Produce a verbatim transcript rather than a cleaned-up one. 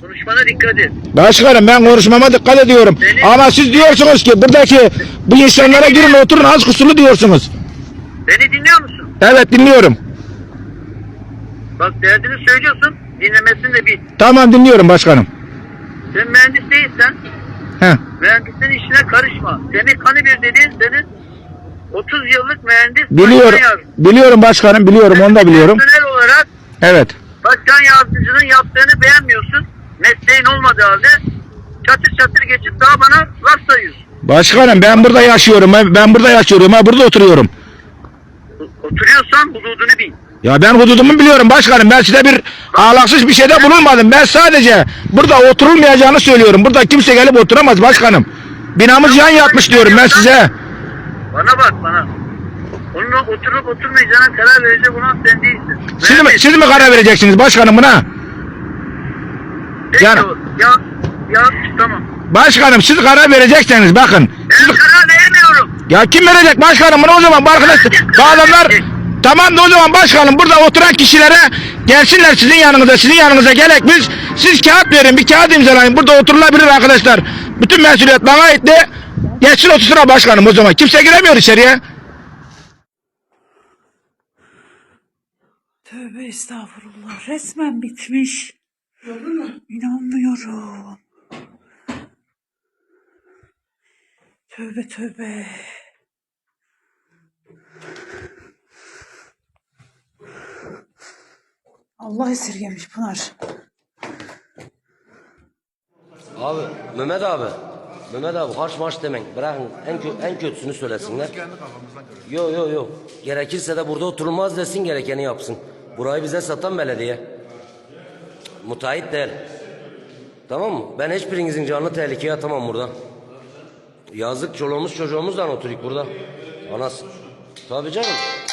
Konuşmana dikkat et. Başkanım ben konuşmama dikkat ediyorum. Beni, Ama siz diyorsunuz ki buradaki bu insanlara girin oturun az kusurlu diyorsunuz. Beni dinliyor musun? Evet dinliyorum. Bak derdini söylüyorsun. Dinlemesini de bil. Tamam dinliyorum başkanım. Sen mühendis değilsen He. mühendisin işine karışma. Semih Kanıbir dediğin senin otuz yıllık mühendis. Biliyorum. başkan yardımcısı. Biliyorum başkanım biliyorum onu da biliyorum. Personel olarak Evet. başkan yardımcının yaptığını beğenmiyorsun. Mesleğin olmadığı halde çatır çatır geçip daha bana laf sayıyorsun. Başkanım ben burada yaşıyorum. Ben, ben burada yaşıyorum. Ben burada oturuyorum. Oturuyorsan hududunu bil. Ya ben hududumu biliyorum başkanım. Ben size bir ahlaksız bir şeyde bulunmadım. Ben sadece burada oturulmayacağını söylüyorum. Burada kimse gelip oturamaz başkanım. Binamız yan yatmış diyorum ben size. Bana bak bana. Onunla oturup oturmayacağına karar verecek olan sen değilsin. Siz mi, siz mi karar vereceksiniz başkanım buna? Peki Yani- o, ya, ya tamam. Başkanım siz karar vereceksiniz bakın. Ben Siz, karar veremiyorum. ya kim verecek başkanım bunu o zaman bu arkadaş bu adamlar tamam da o zaman başkanım burada oturan kişilere gelsinler sizin yanınıza sizin yanınıza gerek biz siz kağıt verin bir kağıt imzalayın burada oturulabilir arkadaşlar. Bütün mesuliyet bana ait de geçsin otursun başkanım o zaman kimse giremiyor içeriye. Tövbe estağfurullah. Resmen bitmiş. İnanmıyorum. Tövbe tövbe. Allah esirgemiş Pınar. Abi Mehmet abi. Mehmet abi harç marş demeyin. Bırakın en, kö en kötüsünü söylesinler. Yok yok yok. Gerekirse de burada oturulmaz desin gerekeni yapsın. Burayı bize satan belediye. Müteahhit değil. Tamam mı? Ben hiçbirinizin canını tehlikeye atamam burada. Yazık çoluğumuz çocuğumuzdan oturuyoruz burada. Anası. Tabii canım.